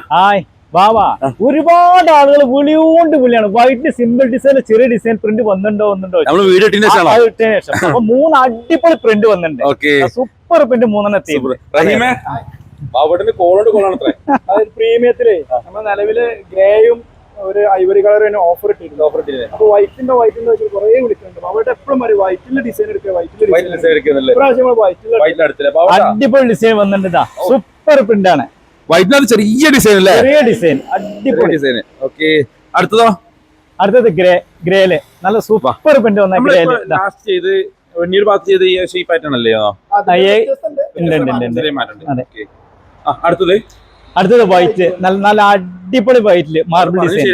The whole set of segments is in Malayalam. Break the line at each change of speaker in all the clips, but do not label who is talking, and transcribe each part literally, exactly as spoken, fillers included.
ഹായ് വാവാ. ഒരുപാട് ആളുകൾ വിളിയോണ്ട് വിളിയാണ്. വൈറ്റ് സിമ്പിൾ ഡിസൈൻ, ചെറിയ ഡിസൈൻ പ്രിന്റ് വന്നിട്ടുണ്ടോ വന്നിട്ടുണ്ടോ ശേഷം അപ്പൊ മൂന്ന് അടിപൊളി പ്രിന്റ് വന്നിട്ടുണ്ട്. സൂപ്പർ പ്രിന്റ് മൂന്നെണ്ണം എത്തി.
പ്രീമിയത്തില് നമ്മുടെ നിലവില് ഗ്രേയും ഒരു ഐവറി കളർ ഓഫർ ഇട്ടിട്ടുണ്ട്. ഓഫർ ഇട്ടിട്ടുണ്ട്. അപ്പൊ വൈറ്റിന്റെ വൈറ്റിന്റെ വെച്ച് കുറെ വിളിക്കുന്നുണ്ട്. അവിടെ എപ്പോഴും പറയും വൈറ്റിന്റെ ഡിസൈൻ എടുക്കുക, വൈറ്റിന്റെ
അടിപൊളി ഡിസൈൻ വന്നിട്ടുണ്ട്. സൂപ്പർ പ്രിന്റ് ആണ്.
വൈറ്റിനകത്ത് ചെറിയ ഡിസൈൻ അല്ലേ?
ചെറിയ ഡിസൈൻ, അടിപൊളി ഡിസൈൻ.
ഓക്കെ, അടുത്തതോ?
അടുത്തത് ഗ്രേ ഗ്രേല് നല്ല സൂപ്പർ പ്രിന്റ് വന്ന ഗ്രേല്
അടുത്തത്
അടുത്തത് വൈറ്റ്, നല്ല നല്ല അടിപൊളി വൈറ്റില് മാർബിൾ ഡിസൈൻ.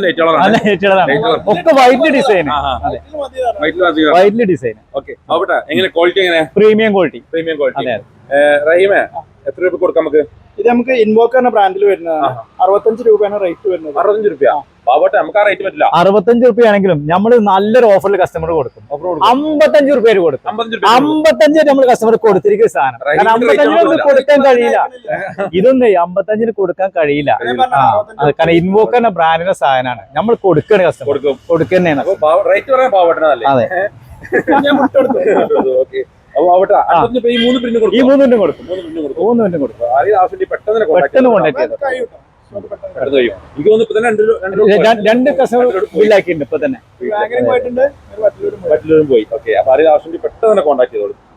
ഒക്കെ വൈറ്റ് ഡിസൈൻ, വൈറ്റില് design. Premium quality.
Premium quality. റഹീമേ, എത്ര രൂപ കൊടുക്കാം നമുക്ക്?
ഇത് നമുക്ക് ഇൻവോക്കർ എന്ന ബ്രാൻഡിൽ വരുന്നതാണ്. അറുപത്തഞ്ച് രൂപയാണ് റേറ്റ് വരുന്നത്.
അറുപത്തഞ്ച് രൂപ നമുക്ക് ആ റേറ്റ് പറ്റില്ല.
അറുപത്തഞ്ച് റുപ്യ ആണെങ്കിലും നമ്മൾ നല്ലൊരു ഓഫറിൽ കസ്റ്റമർ കൊടുക്കും. അമ്പത്തഞ്ച് റുപ്യ കൊടുക്കും. അമ്പത്തഞ്ച് നമ്മൾ കസ്റ്റമർ കൊടുത്തിരിക്കുന്ന സാധനം. കാരണം അമ്പത്തഞ്ചിന് കൊടുക്കാൻ കഴിയില്ല. ഇതൊന്നും അമ്പത്തഞ്ചിന് കൊടുക്കാൻ കഴിയില്ല. കാരണം ഇൻവോക്കർ എന്ന ബ്രാൻഡിന്റെ സാധനമാണ്. നമ്മൾ കൊടുക്കണ കസ്റ്റമർ കൊടുക്കുന്നതാണ്. അതെ.
ഈ മൂന്ന് പ്രിന്റ് കൊടുക്കും.
ഈ മൂന്ന് മിനിറ്റ് കൊടുക്കും. മൂന്ന് മിനിറ്റ് കൊടുക്കും. പെട്ടെന്ന് കോൺടാക്ട് ചെയ്തു. രണ്ട് കസ്റ്റമർ ബില്ലാക്കിയിട്ടുണ്ട് ഇപ്പൊ തന്നെ.
പോയി. ഓക്കെ, അപ്പൊ അതിൽ ആവശ്യം പെട്ടെന്ന് തന്നെ കോൺടാക്ട് ചെയ്തോളൂ.